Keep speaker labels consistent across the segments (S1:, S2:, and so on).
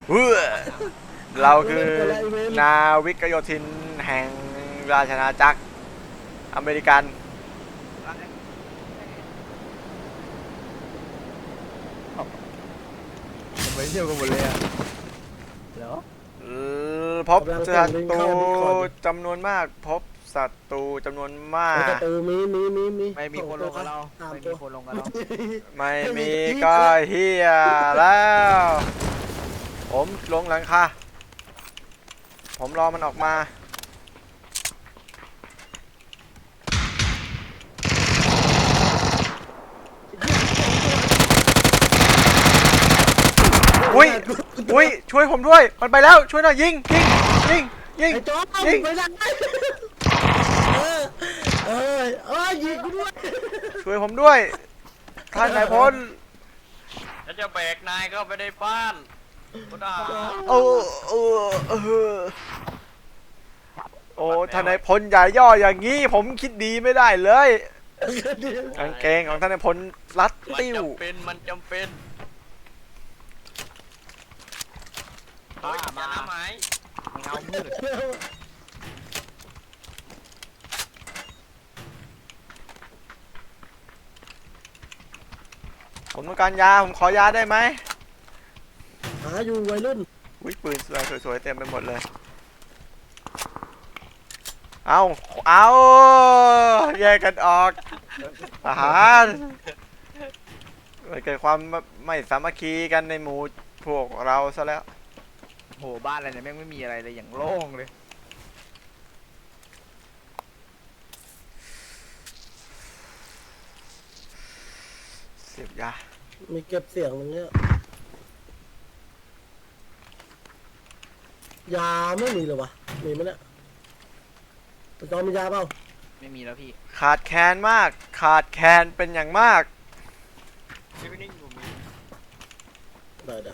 S1: เฮ้อเราคือนาวิกโยธินแห่งราชอาณาจักรอเมริกัน
S2: ทำไมเที่ยวกันหมดเลยอ่ะเหรอ
S1: พบศัตรูจำนวนมากพบศัตรูจำนวนมาก
S2: ไม่มีคนลงกับเราไม่มีคนลงกับเรา
S1: ไม่มีก็เฮียแล้วผมลงหลังคาผมรอมันออกมาอุ้ยช่วยผมด้วยมันไปแล้วช่วยหน่อยยิงยิง
S3: ยิงไปทางไหนยิงกูด้วย
S1: ช่วยผมด้วยท่านนายพล
S4: แล้วจะแบกนายเข้าไปในบ้านพุทธา
S1: โอ้โอ้ท่านนายพลอย่าย่ออย่างนี้ผมคิดดีไม่ได้เลยกางเกงของท่านนายพลรัดติ้ว
S4: มันจำเป็นมาไหม
S2: เงามืด
S1: ผมต้องการยาผมขอยาได้ไหม
S3: หาอยู่วัยรุ่น
S1: วิปืนสวยๆเต็มไปหมดเลยเอาแยกกันออกทหารมันเกิดความไม่สามัคคีกันในหมู่พวกเราซะแล้ว
S2: โหบ้านอะไรเนี่ยแม่งไม่มีอะไรเลยอย่างโล่งเลย
S1: เสียบยา
S3: มีเก็บเสียงตรงนี้ยาไม่มีเลยวะมีไหมเนี่ยจอมียาเปล่า
S2: ไม่มีแล้วพี่
S1: ขาดแคลนมากขาดแคลนเป็นอย่างมาก
S4: พี่นิ่งผมมี
S3: ได้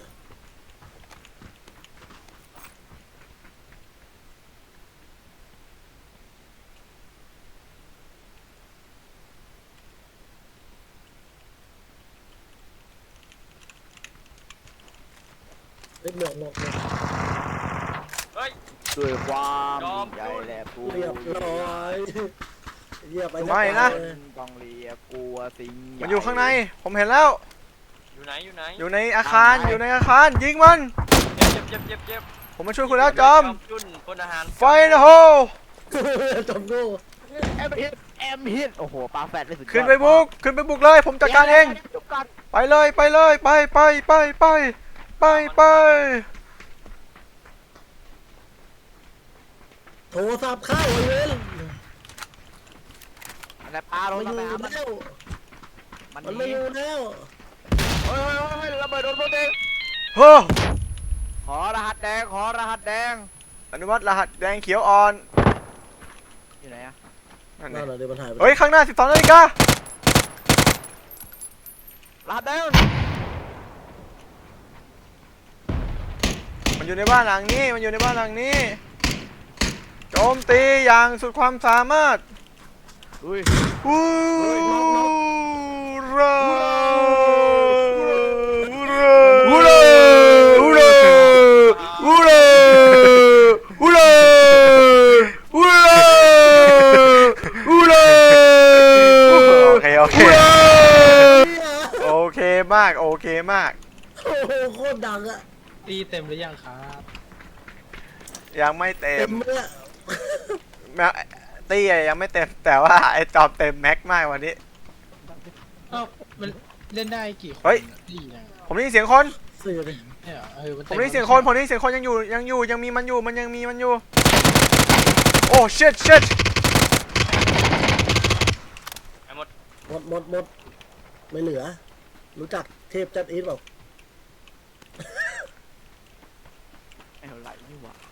S3: หมวก
S4: เฮ้ย
S2: ด้วยความใหญ่และผู้
S3: เรียบร้อยเรียบไป
S1: ไม่นะ
S2: ต้องเรียกกลัวสิ่ง
S1: มันอยู่ข้างในผมเห็นแล้ว
S4: อยู่ไหน
S1: อยู่ในอาคารยิงมัน
S4: เจ็บ
S1: ผมมาช่วยคุณแล้วจอม
S4: พลทหาร
S1: ไฟนะโฮ
S3: จอมโง่
S2: แอมฮิตโอ้โหปลาแฟดได้สุด
S1: ขึ้นไปบุกเลยผมจัดการเองไปเลยไป
S3: โทรศัพท์เข้าไอ้เว้น
S2: อะไรปลาลง
S3: อยู่แล้วมันไม่อยู่แล้ว
S2: เฮ้ยระเบิดโดนโปรเตง
S1: เฮ้อ
S2: ขอรหัสแดง
S1: อนุมัติรหัสแดงเขียวอ่อน
S2: อยู่ไหนอะ
S3: นั่นแหละเดี๋ยวมันหายไป
S1: เฮ้ยข้างหน้า12 นาฬิการ
S2: หัสแดง
S1: มันอยู่ในบ้านหลังนี้โจมตีอย่างสุดความสามารถ
S2: อุ้ย
S1: โอเคมาก
S3: โอ้โหโคตรดังอะ
S5: ตีเต็มหรือยังครับ
S1: ยังไม่เต็ม
S3: เนี่ย
S1: ตี้ยังไม่เต็มแต่ว่าไอ้จอมเต็มแม็กมากวันนี้
S5: มันเล่นได้กี่คน
S1: เฮ้ยผมได้ยินเสียงคนผมได้ยินเสียงคนยังมีมันอยู่โอ้ชิต
S3: หมดไม่เหลือรู้จักเทพจัดอีทเปล่า
S2: ไม่เท่าไหร่นี่หว่า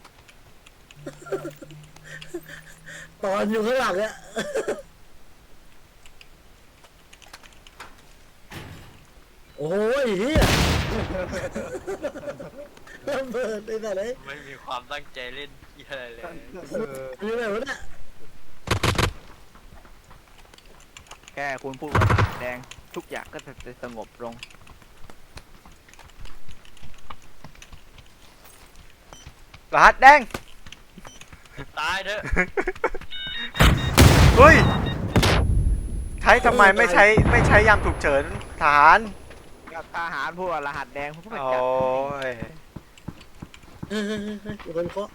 S3: ตอนอยู่ข้างหลังเนี่ยโอ้ยเฮียระเบิดไอ้แต่ไหน
S4: ไม่มีความตั้งใจเล่นอะไรเลย
S3: นี่แบบว่าเนี่ย
S2: แค่คุณพูดว่าแดงทุกอย่างก็จะสงบลง
S1: รหัสแดง
S4: ตายเถอะ
S1: เฮ้ยใช้ทำไมไม่ใช้ยามฉุกเฉินทหาร
S2: กับทหารพวกรหัสแดงพวกมัน
S1: โอ้
S2: จัด
S1: ย
S3: เฮ้ยมีคนเคาะ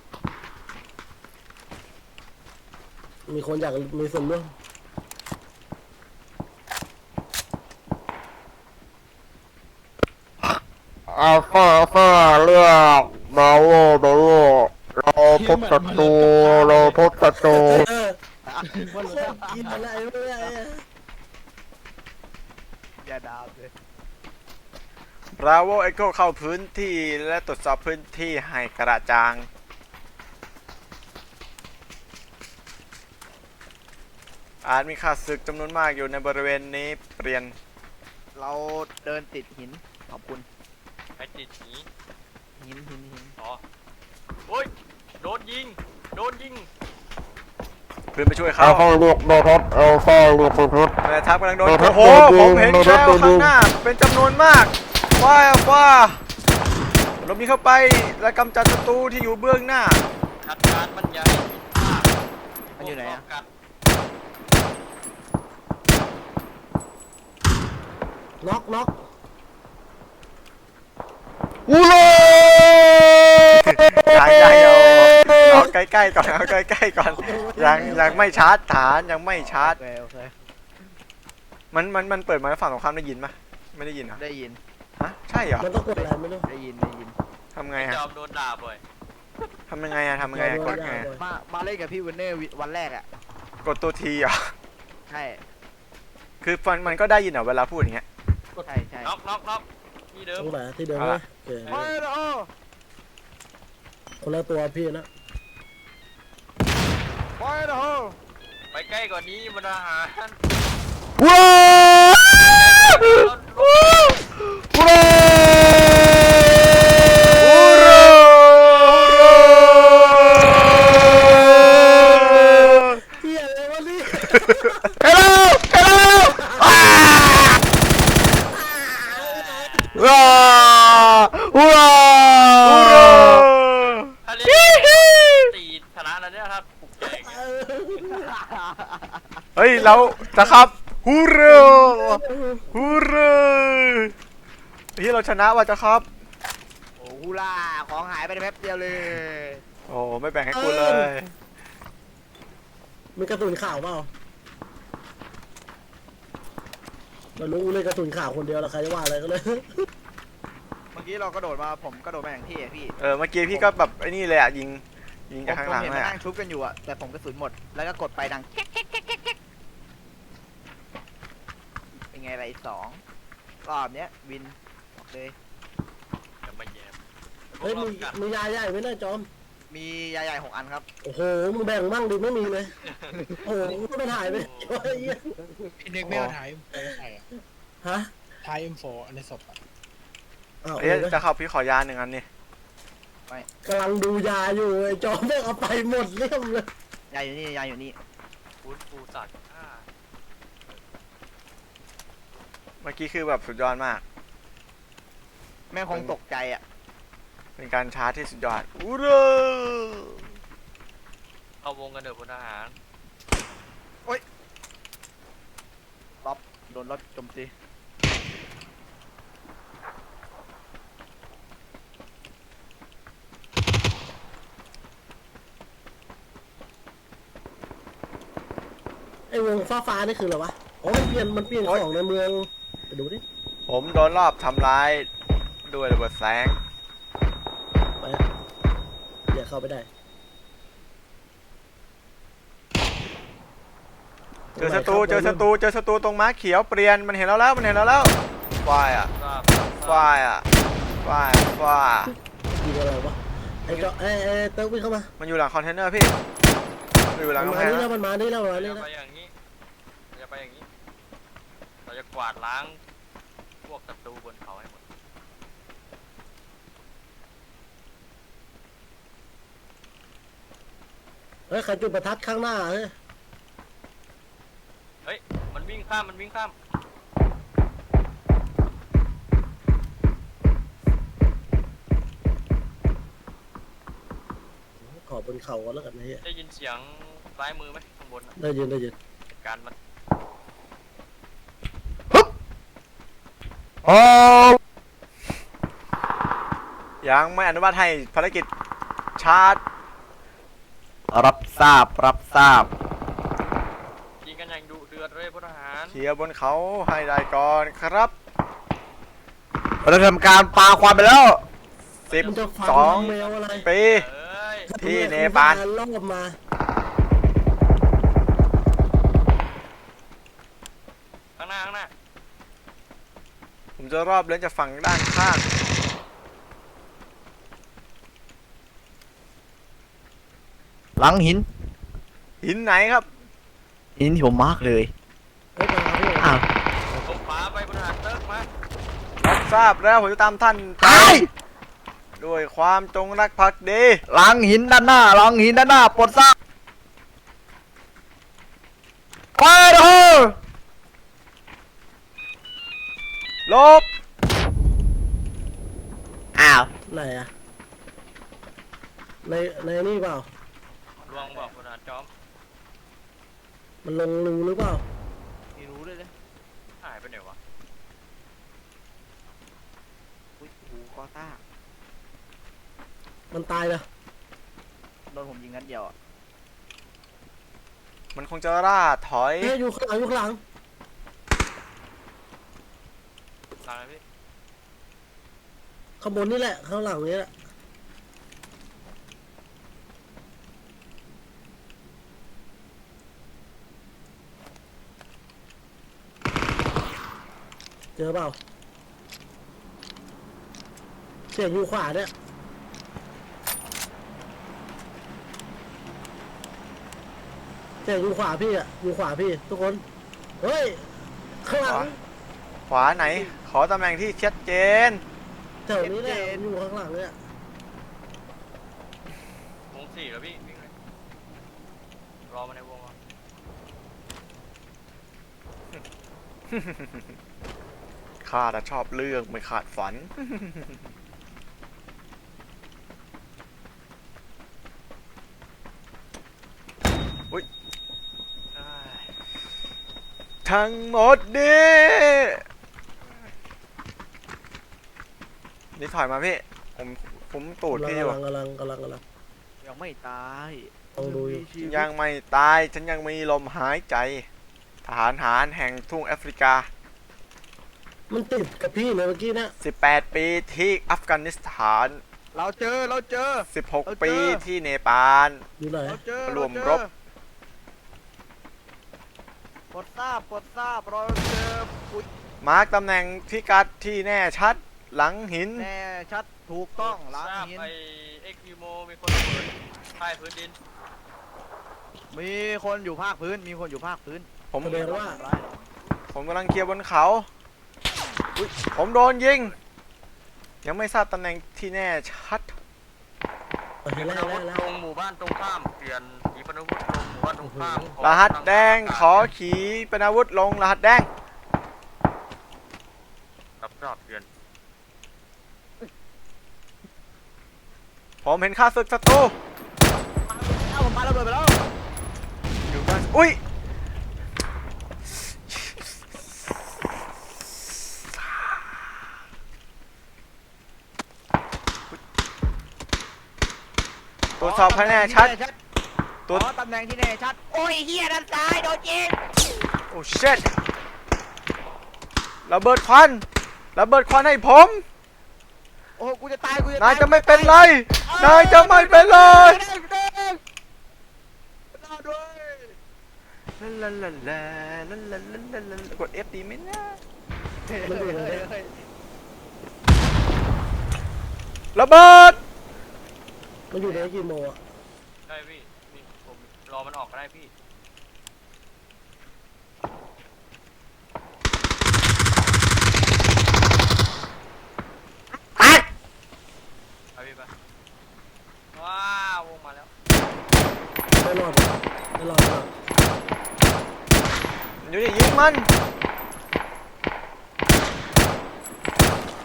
S3: มีคนอยากมีส่วนร่วม
S6: อัลฟาเรียกบาโวเราพบศัตรูเราพบศัตรู
S3: เออโคตรกินอะไรไม่ได้อะ
S2: อย่าดาบเลย
S1: บราโวเอ็กโคเข้าพื้นที่และตรวจสอบพื้นที่ให้กระจ่างอาจมีข้าศึกจำนวนมากอยู่ในบริเวณนี้เปลี่ยน
S2: เราเดินติดหินขอบคุณ
S4: ไปติดหนี
S2: หิน
S4: อ๋อโอ้ยโดนยิง
S1: เพื่อนไปช่วย
S6: อั
S1: เขา
S6: ลฟาเรียกบาทัศอัลฟาเรียกบาทัศ
S1: แม่ทัพกำลังโดน
S6: โดนครับ
S1: โอ้โห
S6: โดน
S1: ผมเห็น
S6: โดนครั
S1: แล้
S6: บ
S1: ว
S6: โดน
S1: ข้างหน้าเป็นจำนวนมากว้าเรามีเข้าไปและกำจัดศัตรูที่อยู่เบื้องหน้า
S4: ขัดการมันใหญ่
S2: มันอยู่ไหนอะ
S4: กัด
S3: น็อก
S6: อูโร่
S1: ยังเอาใกล้ๆก่อนเอาใกล้ๆก่อนยังไม่ชาร์จฐานยังไม่ชาร์จ
S2: โอเค
S1: มันเปิดมาแล้วฝั่งตรงข้ามได้ยินปะไม่ได้ยินเหรอ
S2: ได้ยิน
S1: ฮะใช่เหรอ
S3: มันต้องกดอะไรไม่รู้
S2: ได้ยิน
S1: ทำไงฮะ
S4: จอมโดนด่าบ่อย
S1: ทำยังไงอะทำยังไงอะกดไงอะ
S2: มาเล่นกับพี่วินเนอร์วันแรกอ่ะ
S1: กดตัวทีเหรอ
S2: ใช่
S1: คือมันก็ได้ยินเหรอเวลาพูดอย่างเงี้ย
S2: ใช่
S4: น็อกที่เดิม
S3: ตรงไหนที่เดิมไหมโอเค
S2: ไปโอ้
S3: คนละตัวพี่นะ
S2: ไปโอ้
S4: ไปใกล้กว่านี้มันอาหาร
S6: ว้าวว้าว
S1: อูโร
S3: เฮียอะไรวะนี่
S6: เฮลโลว้าวว้าว
S1: อูโร
S4: ถ้าเล่นตีชนะแล้วเนี่ยครับปลุกใจอย่างเงี้ย
S1: เฮ้ยเราจะครับฮูโรฮูโรเฮ้ยเราชนะว่ะจะครับ
S2: โอ้ฮูล่าของหายไปในแป๊บเดียวเลย
S1: โอ้ไม่แบ่งให้กูเลย
S3: มีกระสุนข่าวเปล่าเรารู้เลยกระสุนข่าวคนเดียวแล้วใครจะว่าอะไรก็เลย
S2: เมื่อกี้เรากระโดดมาผมกระโดดมาอย่างที่อะพี่
S1: เมื่อกี้พี่ก็แบบไอ้นี่เลยอะยิง
S2: ผม
S1: จากข้างหลัง
S2: เห็น
S1: เล
S2: มัน
S1: ยอะ
S2: นั่งชุบกันอยู่อะแต่ผมกระสุนหมดแล้วก็กดไปดังแก๊กเป็นไงไรสองรอบเนี้ยวินบอกเลย
S4: จะมาแย่ม
S3: เฮ้ยมียาใหญ่ไหมเนี่ยจอม
S2: มียาใหญ่6 อันครับ
S3: โอ้โหมึงแบ่งมั่งดิไม่มีเลยโอ้โหมึงก็ไม่ถ่ายไปช่วยเหี้ย
S5: พี่นึกไม่เอาถ่าย M4 ใส่อะ
S3: ฮะ
S5: ถ่าย M4 อันในศพอะ
S3: อ้าว
S1: เอ้ยจะเข้าพี่ขอยาหนึ่งอันนี่
S3: กำลังดูยาอยู่ไอ้จอมแม่งเอาไปหมดเรียบเลย
S2: ยาอยู่นี่ยาอยู่นี่
S4: ฟื้นฟูสัตว์ฆ่า
S1: เมื่อกี้คือแบบสุดยอดมาก
S2: แม่งคงตกใจอะ
S1: เป็นการชาร์จที่สุดยอดอูโร
S4: เข้าวงกันเถอะพลทหาร
S2: ป๊อปโดนรถโจมตี
S3: ไอ้วงฟ้านี่คืออะไรวะอ๋อมันเปลี่ยนของในเมืองไปดูดิ
S1: ผมโดนรอบทำร้ายด้วยระเบิดแสง
S3: ไปอย่าเข้าไปได้
S1: เจอศัตรูตรงม้าเขียวเปลี่ยนมันเห็นเราแล้วฟายอ่ะ
S4: ทราบ
S1: ฟายอ่ะฟาย
S3: ยิงอะไรวะไอ้จอเติร์กวิ่งเข้ามา
S1: มันอยู่หลังคอนเทนเนอร์พี่มันอยู่หลัง
S3: มัน
S1: กำ
S3: มา
S1: แพง
S3: นี่
S1: นะ
S3: แล้วมันมานี่แล้ว
S4: เราจะไปอย่างนี้เราจะกวาดล้างพวกศัตรูบนเขาให้หมด
S3: เฮ้ยใครจุดประทัดข้างหน้าเฮ้ย
S4: เฮ้ยมันวิ่งข้าม
S3: บนเขากันแล้วกันนะเฮีย
S4: ได้ยินเสียงซ้ายมือไหมข้างบนน่ะ
S3: ได้ยินได้ยิน
S4: จัดการมัน
S6: โอ้
S1: ยังไม่อนุมัติให้ภารกิจชาร์จ
S6: รับทราบรับทราบ
S4: ยิงกันอย่างดุเดือดเลยพลทหาร
S1: เคลียร์บนเขาให้ได้ก่อนครับ
S6: เราทำการปาควันไปแล้ว
S3: มันจะฟัง
S1: 12
S3: แมวอะไร
S1: ปี
S4: เอ้ย
S1: ที่เนปาล
S3: รอบมา
S4: ข้างหน้าข้างหน้า
S1: ผมจะรอบเล่นจากฝั่งด้านข้าง
S6: หลังหิน
S1: หินไหนครับ
S6: หินที่ผมมาร์กเลย
S3: เฮ้ยมาพี่
S6: อ้าว
S4: ตรงขวาไปพลทหารเติร์กมา
S1: รับทราบแล้วผมจะตามท่านไป
S6: ตาย
S1: ด้วยความจงรักภักดี
S6: หลังหินด้านหน้าหลังหินด้านหน้าปลดทราบไปเถอะ
S1: ลบ
S6: อ้าว
S3: ไหนอะในนี่เปล่า
S4: ลวงบอกพลทหารจอม
S3: มันลงรูหรือเปล่า
S2: ไม่รู้เลยนะ
S4: หายไปไหนวะ
S2: อุ้ยหูกอต้า
S3: มันตายเลย
S2: โดนผมยิงนัดเดียวอ่ะ
S1: มันคงจะล่าถอย
S3: เฮ้ยอยู่ข้างหลังอยู่ข้างหลัง
S4: หลังเลยพี่
S3: ข้างบนนี่แหละข้างหลังนี่แหละเจอเปล่าเสียงอยู่ขวาเนี่ยเสียงอยู่ขวาพี่อะอยู่ขวาพี่ทุกคนเฮ้ยข้างหลัง
S1: ขวาไหน ขอตำแหน่งที่ชัดเจน
S3: แถวนี้แหละอยู่ข้างหลังเนี่ยว
S4: ง4แล้วพี่วิ่งเลยรอมาในวงก่อน
S1: ข้าแต่ชอบเรื่องไม่ขาดฝัน
S4: เอ้ย
S1: ทั้งหมดนี้นี่ถอยมาพี่ ผมตูดพี่อยู่
S3: กำลัง
S2: ยังไม่ตาย
S3: ลองดูอยู่
S2: มีชีวิต
S1: ยังไม่ตาย ฉันยังมีลมหายใจ ทหารหารแห่งทุ่งแอฟริกา
S3: มันติดกับพี่เลยเมื่อกี้นะ
S1: 18 ปีที่อัฟกานิสถาน
S2: เราเจอ
S1: 16 ปีที่เนปาล
S3: อยู่ไหน
S2: เราเจอ
S1: รวมรบ
S2: ปลดทราบเราเจออุ้ย
S1: มาร์กตำแหน่งพิกัดที่แน่ชัดหลังหิน
S2: แน่ชัดถูกต้องหลัง
S4: ทราบ
S2: หิน
S4: ไปเอ็กซ์โมมีคนระเบิดใต้พื้นดิน
S2: มีคนอยู่ภาคพื้น
S1: ผม
S3: แสดงว่า
S1: ผมกำลังเคลียร์บนเขาอุ๊ยผมโดนยิง ยังไม่ทราบตำแหน่งที่แน่ชัด
S3: เห็น
S4: ขี
S3: แล้ว
S4: ปนาวุธ
S3: แล้ว
S4: ลงหมู่บ้านตรงข้ามเปลี่ยนขีปนาวุธลงหมู่บ้านตรงข้ามขอ
S1: รหัสแดงขอขีปนาวุธลงรหัสแดง
S4: รับทราบเปลี่ยน
S1: ผมเห็นข้าศึกศัตรู
S2: เอาผมปาระเบิดไปแล้ว
S1: อยู่บ้านอุ้ยตรวจสอบคะแนนชัด
S2: ตัวตำแหน่งที่แน่ชัด โอ้ยเฮียด้านซ้ายโดนยิง
S1: โอ้เช็ดระเบิดควันให้ผม
S2: โอ้กูจะตาย
S1: นายจะไม่เป็นไร นายจะไม่เป็นไร
S2: รอด้วย
S1: ลาลาลาลาลาลาลาลากด F ดีไหมนะ
S3: มันอยู่ไหน
S1: ระเบิด
S3: มันอยู่ในกี่โมงอะ
S4: ได้พี่นี่ผมรอมันออกก็ได้พี่
S1: ปัด
S4: ไปพี่ไปว้าวงมาแล้ว
S3: ไม่รอด
S1: อยู่นี่ยิงมัน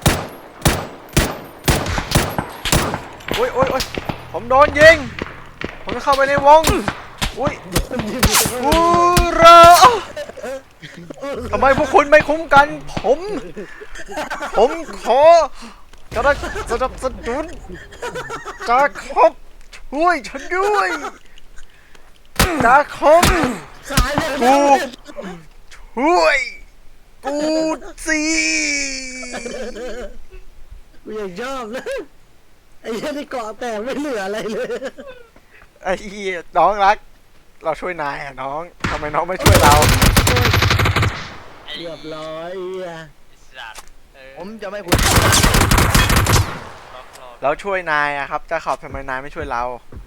S1: โอ้ยผมโดนยิงผมจะเข้าไปในวง อุ้ย
S3: มันยิงอยู่ตรง
S1: อู
S3: นั้น
S1: ราทำไมพวกคุณไม่คุ้มกัน ผมขอกระสนับสนุนจาคอบช่วยฉันด้วยจาคอบ
S3: ขายเลย
S1: กูช่วยกูสิ
S3: กูยังชอบนะไอ้เหี้ยที่เกาะแตกไม่เหลืออะไรเลย
S1: ไอ้เหี้ยน้องรัก เราช่วยนายอะน้องทำไมน้องไม่ช่วยเรา
S3: เรียบร้อยเหี้ย
S4: ไอ้สัตว์เออ
S2: ผมจะไม่พูด
S4: ล็อกรอ
S1: เราช่วยนายอะครับจาคอบทำไมนายไม่ช่วยเรา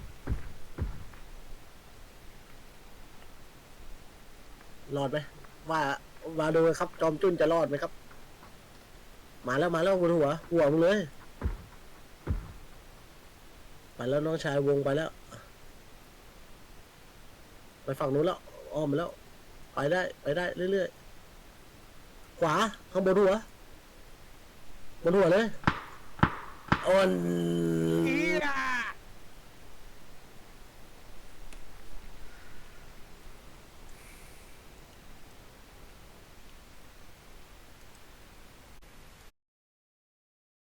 S3: รอดไหมว่ามาดูครับ จอมจุ้นจะรอดไหมครับ มาแล้วบนหัวมึงเลย ไปแล้วน้องชายวงไปแล้ว ไปฝั่งนู้นแล้วอ้อมไปแล้ว ไปได้เรื่อยๆ ขวาข้างบนหัวเลยอ่อน